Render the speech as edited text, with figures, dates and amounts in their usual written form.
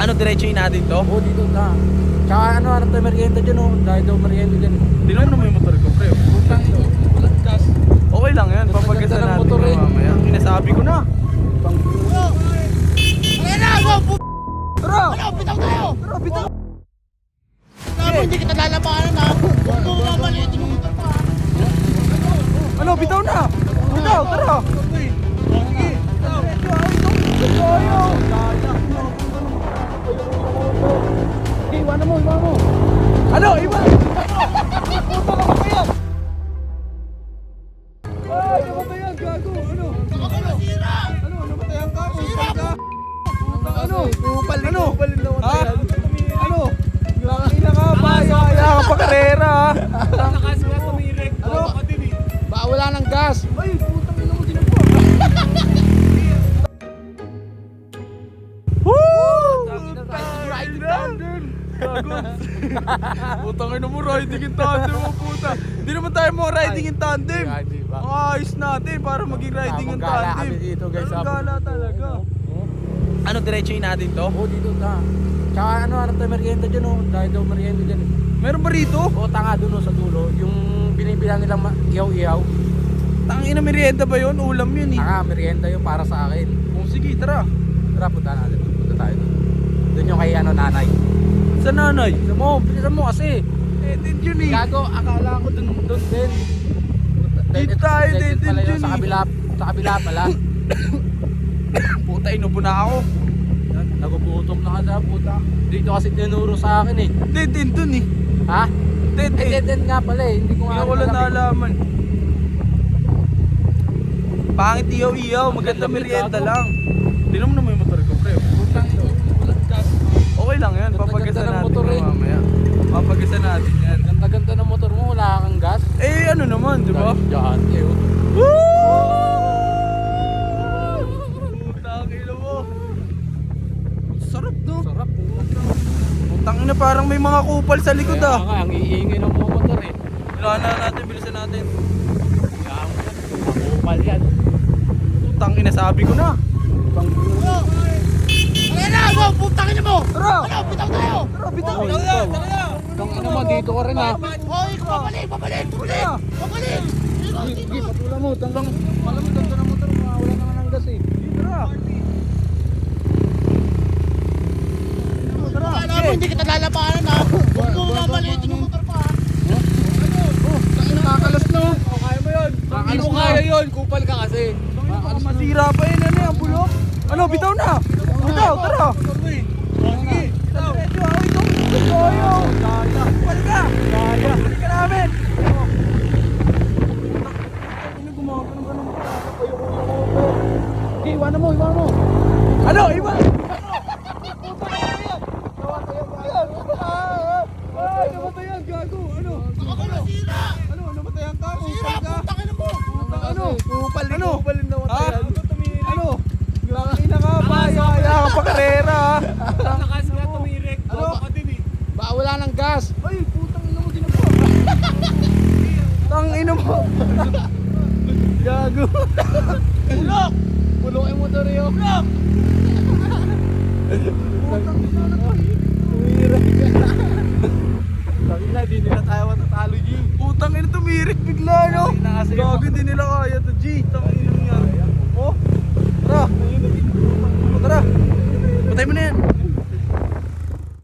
Ano, diretsuhin natin to? Oo, dito na. Tsaka ano tayo merienda dyan oh. Dahil daw merienda dyan. Di naman na may motor ko, pre. Putang ito. Walang gas. Okay lang yan, papagasan Ganda ng natin motor, yung eh. mamaya. Inasabi ko na. Ayan na! Wow! Tara! Ano? Bitaw tayo! Tara, bitaw! Sabi, hindi kita lalabanan ha! Huwag mo mamalitin yung motor pa ha! Ano, bitaw na! Bitaw, tara! Sige! Ayaw! Okay, iwanan mo. Ano, iba! Puta lang ba yan? Ay, namatayan, gago! Ano? Ano? Sira! Ano, namatayan ka? Sira! Ano? Kupal ano? Ha? Ano? Ina ka ba? Kaya ka pa karera ha? Lakas nga tumirek. Ano? Baka wala ng gas. Ay, putang ina mo din po. Woo! Riding tandem. Putang ina mo, riding in tandem mo puta. Hindi naman tayo mo riding in tandem. Hindi ba? Ang ayos natin para maging riding in Gala tandem. kami dito guys. Ang gala talaga. Ano, diretsuhin natin to? Oo, dito na. Tsaka ano tayo merienda dyan oh. Dahil daw merienda dyan. Meron ba rito? Oo, tanga doon oh, sa dulo. Yung binibilang nilang ihaw-ihaw. Tangina, merienda ba yun? Ulam yun eh. Tanga, merienda yung para sa akin. Oh, sige, tara. Tara, punta natin. Punta tayo doon. Doon yung kay nanay. Sa nanay. Bilisan mo kasi. Edit yun eh. Gago, akala ko doon din. Dito tayo, Dito pala dito yun, sa yun kabila pala. Puta, inubo na ako. Nagugutom na ka puta. Dito kasi tinuro sa akin eh. Dead end dun eh. Ha? Dead end. Dead end nga pala eh. Hindi ko Hindi nga ko lang alam. nalaman. Pangit iyaw-iyaw, maganda Ang ganda, merienda gago. lang. Hindi naman na may motor ko, pre. Putang ito. Walang gas. Okay lang yan, Ganda-ganda papagasan ng natin motor, yung eh. mamaya. Papagasan natin yan. Ganda-ganda ng motor mo. Wala kang gas. Eh, ano naman, di ba? Diyan. Putang ina mo. Sarap, no? Sarap. Putang ina, parang may mga kupal sa likod Kaya ah. nga, ang iingay ng mga motor eh. Kailangan na natin, bilisan natin. Kaya mo yan. Makupal yan. Putang ina, sabi ko na. Ayan na! Wow! Putangin niyo mo! Tara! Ano? Bitaw tayo! Tara, bitaw! Oo, Tara, ikaw. tara! Tang ina mo, dito ka rin ha. Hoy! Babalik! Babalik! Babalik! Sige, patula mo. Tanggang, alam mo, ganda ng motor mo. Wala naman ng gas eh. Tara! Tara! Alam mo, hindi kita lalabanan ha! Huwag mo mamalitin yung motor pa ha! Tangina, kakalas na. Kaya mo yun! Hindi mo kaya yun. Kupal ka kasi. Baka masira pa yun, ano yung bulok? Ano, bitaw na! Bitaw, tara! Sige! Bitaw! Medyo ako ito! Toyo! Kupal ka! Kupal ka namin! Ano gumawa ka ng ganun? Okay, iwanan mo. Ano, iba! Ay, namatayan, gago! Ano? Ako na sira! Ano, namatayan ka? Sira! Kupal ka? Putangin mo! Ano? Kupal Ano? na Ha? Ano? Ina ka ba? Kaya ka pa karera ha? Lakas nga tumirek. Ano? Baka wala ng gas. Ay, putang ina mo din ako. Tang ina mo. Gago. Ulok! Pulong yung motor yun. Ulok! Putang ina na to. Tumirek. Sabi na, di nila tayo matatalo, G. Putang ina, tumirik bigla no. Gago, di nila kaya to, G. Tang ina mo yan. Oh, tara. Tara. Patay mo na yan.